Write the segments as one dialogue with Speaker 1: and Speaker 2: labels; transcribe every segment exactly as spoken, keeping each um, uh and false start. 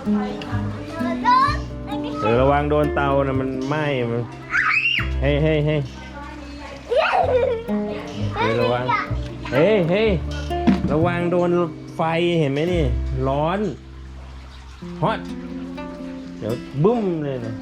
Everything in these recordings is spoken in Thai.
Speaker 1: เออระวังโดนเตานะมันไหม้มันเฮ้ยเฮ้ยเฮ้ยเฮ้ยระวังเฮ้ยเฮ้ยระวังโดนไฟเห็นไหมนี่ร้อนฮอตเดี๋ยวบึ้มเลยนะ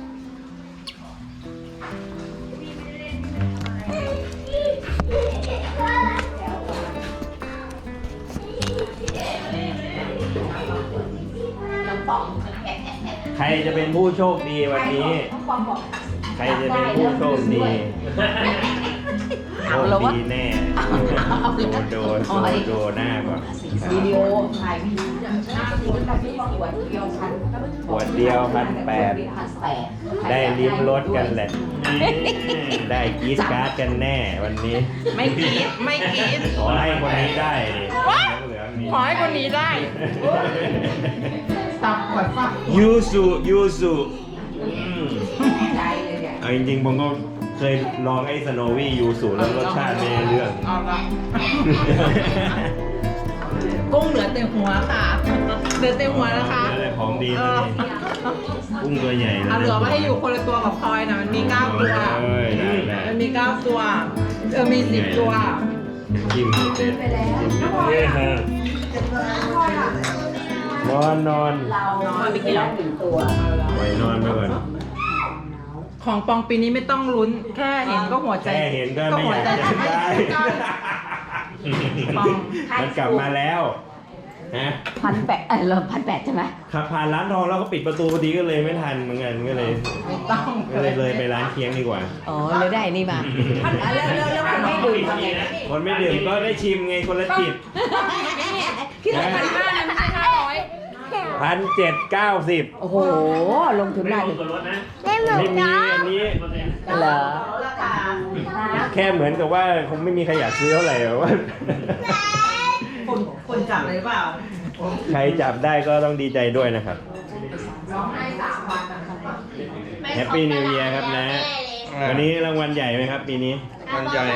Speaker 1: ใครจะเป็นผู้โชคดีวันนี้ ใครจะเป็นผู้โชคดีโชคดีแน่โดนโดนโดนหน้าก่อน
Speaker 2: วิดีโอถ่ายวิดีโอหน้าสีกับที่ขวดเดียวพัน
Speaker 1: ขวดเดียวพันแปดได้ลิ้มรสกันแหละได้กรี๊ดการ์ดกันแน่วันนี้
Speaker 3: ไม่กรี๊ดไม่กรี๊ด
Speaker 1: ขอให้คนนี้ได้ดิ
Speaker 3: ขอให้คนนี้ได้
Speaker 2: ตับขวดฟัก
Speaker 1: ยูสุยูสุเอาจริงๆผมก็เคยลองไอ้สโนวี่ยูสุแล้วรสชาติไม่เรื่อง
Speaker 3: กุ้งเหลือเต็มหัวค่ะเหลือเต็มหัวนะคะ
Speaker 1: อะไรของดีนะกุ้งตัวใหญ่เลย
Speaker 3: เหลือมาให้อยู่คนละตัวกับพลอยนะมันมีเก้าตัวมันมีเก้าตัวเออมีสิบตั
Speaker 1: วจิ้มเสร็จเนี่ยฮะนอนนอน
Speaker 2: นอนไปกินแล้วหนึ่งตัว
Speaker 1: ไว้นอนไปก่อน
Speaker 3: ของปองปีนี้ไม่ต้องลุ้นแค่เห็นก็หัวใจ
Speaker 1: แค่เห็นก็ไม่อยากจะได้มันกลับมาแล้วฮะ
Speaker 2: พันแปดเออเราพันแปดใช่ไหม
Speaker 1: ขับผ่านร้านทองแล้วก็ปิดประตูพอดีก็เลยไม่ทันเหมือนกันก็เลย
Speaker 3: ไม่ต้อง
Speaker 1: ก็เลยเลยไปร้านเคียงดีกว่า
Speaker 2: อ๋อเลยได้นี่มาแล้วแล้วแล้วคนไม่ดื่มทำไง
Speaker 1: คนไม่ดื่มก็ได้ชิมไงคนละจิบ
Speaker 3: คิดว่าพันห้าไม่ใช่ห้าร้อย
Speaker 1: พันเจ็ดเก้าสิบ
Speaker 2: โอ้โหลงทุนได้
Speaker 1: ไม่มีอันนี้
Speaker 2: เหรอ
Speaker 1: แค่เหมือนกับว่าคงไม่มีใครอยากซื้อเท่าไหร่ว่า
Speaker 3: คนคนจับเลยเปล่า
Speaker 1: ใครจับได้ก็ต้องดีใจด้วยนะครับแฮปปี้นิวเยียร์ครับนะวันนี้รางวัลใหญ่ไหมครับปีนี้รางวัลใหญ่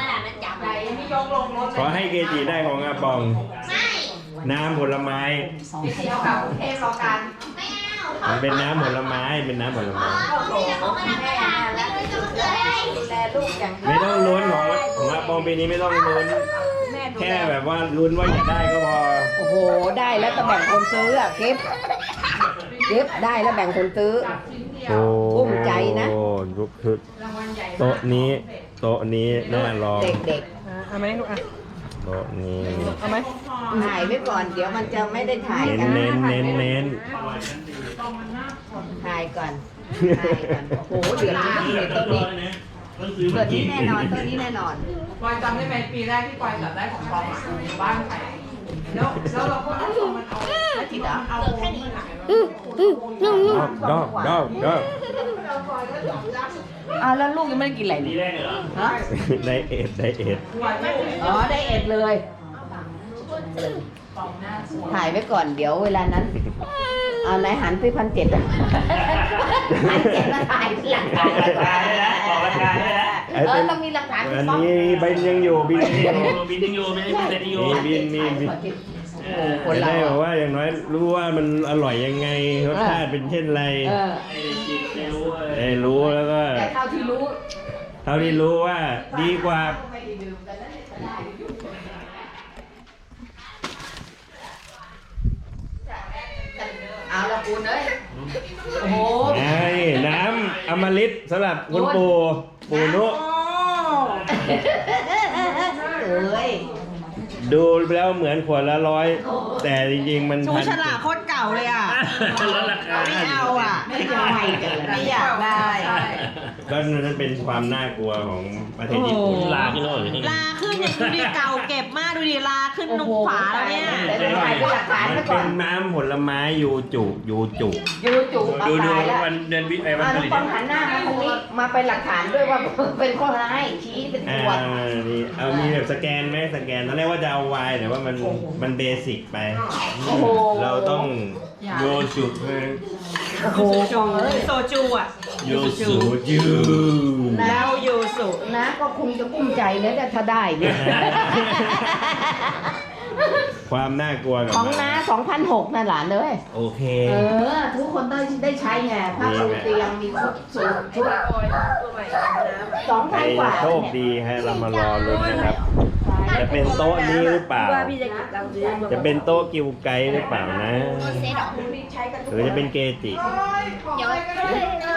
Speaker 1: ขอให้เกจิได้ของอาปองน้ำผลไม้มันเป็นน้ำผลไม้เป็นน้ำผลไม้ไม่ต้องลุ้นของของอาปองปีนี้ไม่ต้องลุ้นแค่แบบว่าลุ้นว่าอยากได้ก็พอ
Speaker 2: โอ้โหได้แล้วจะแบ่งคนซื้ออ่ะเก็บเก็บได้แล้วแบ่งคนซื้อภูมิใจนะ
Speaker 1: โอ้ลุกขึ้นโต๊ะนี้โต๊ะนี้น่าลอง
Speaker 2: เด็กๆ
Speaker 3: เอาไหมลูกอ่ะ
Speaker 1: โต๊ะนี้
Speaker 3: เอาไหม
Speaker 2: ถ่ายไว้ก่อนเดี๋ยวมันจะไม่ได้ถ่ายกัน
Speaker 1: เน้นเน้นเน้น
Speaker 2: ถ่ายก่อนถ่ายก่อนโอ้โหเดือดร้อนเลยต้นนี้เดือดนี้แน่นอนต้นนี้แน่นอน
Speaker 3: ปอยจำได้ไหมปีแรกที่ปอยจับได้ของปองอ่ะบ้านใครแล้วแล้วเราก็เอามันเอาแล้วจิตอ่ะเอาแค่นี้
Speaker 1: ดอกดอกดอก
Speaker 2: อ้าวแล้วลูกยังไม่ได้กินอะไรเลยฮะ
Speaker 1: ไดเอทไดเอท
Speaker 2: อ๋อไดเอทเลยถ่ายไว้ก่อนเดี๋ยวเวลานั้นเอาไหนหันไปพันเจ็ดพันเจ็ดมาถ่ายหลักฐานเออต้องมีหลักฐาน
Speaker 1: อันนี้บินยังอยู่บินยังอยู่
Speaker 4: บินยังอยู่ไม่ได้บินแต่ยังอยู่
Speaker 1: บินมีบินคนได้บอกว่าอย่างน้อยรู้ว่ามันอร่อยยังไงรสชาติเป็นเช่นไรได้รู้แล้วก็
Speaker 2: เท่าที่รู้
Speaker 1: เท่าที่รู้ว่าดีกว่า
Speaker 2: เอาละคุณเอ้ยโอ้โห
Speaker 1: น้ำอมฤตสำหรับคุณปู่ปู่นุ
Speaker 2: เอ้ย
Speaker 1: ดูแล้วเหมือนขวดละร้อยแต่จริงๆมัน
Speaker 3: ชูฉลากโคตรเก่าเลยอ่ะไม่เอาอ่ะ
Speaker 2: ไม่อยาก
Speaker 3: ไม่อยากได้
Speaker 1: ก็นั่นเป็นความน่ากลัวของประเทศญี่ปุ่น
Speaker 4: ลาขึ้นแล้ว
Speaker 3: ลาขึ้นอย่างดูดิเก่าเก็บมากดูดิลาขึ้นนุ่มฝาแล้วเนี่ย
Speaker 1: มันเป็นน้ำผลไม้ยูจุยูจุ
Speaker 2: ยูจุ
Speaker 1: ดูดูวันเดือนวิไอวันผลิต
Speaker 2: หันหน้ามาตรงนี้มาเป็นหลักฐานด้วยว่าเป็นข้อร้ายชี้เป็นตัว
Speaker 1: นี่เอามีแบบสแกนไหมสแกนตอนแรกว่าจะเอาวายแต่ว่ามันมันเบสิกไปเราต้องโยสุ
Speaker 2: โอ้โห
Speaker 3: โซจูอ่ะ
Speaker 1: โยสุจู
Speaker 3: แล้วโยสุ
Speaker 2: นะก็คงจะกุ้มใจนะถ้าได้เนี่ย
Speaker 1: ความน่ากลัวกับ
Speaker 2: ของ
Speaker 1: มัน
Speaker 2: น้าสองพันหกนะหลานเลย
Speaker 1: โอเค
Speaker 2: เออ ทุกคนได้ได้ใช้ไงผ้าปูเตียงมีชุดสูทชุดสอง
Speaker 1: ใคร
Speaker 2: พันกว่า
Speaker 1: โชคดีให้เรามารอลุ้นนะครับ จะเป็นโต๊ะนี้หรือเปล่า จะเป็นโต๊ะกิวไกหรือเปล่านะ หรือจะเป็นเกจิ
Speaker 3: เดี๋ยว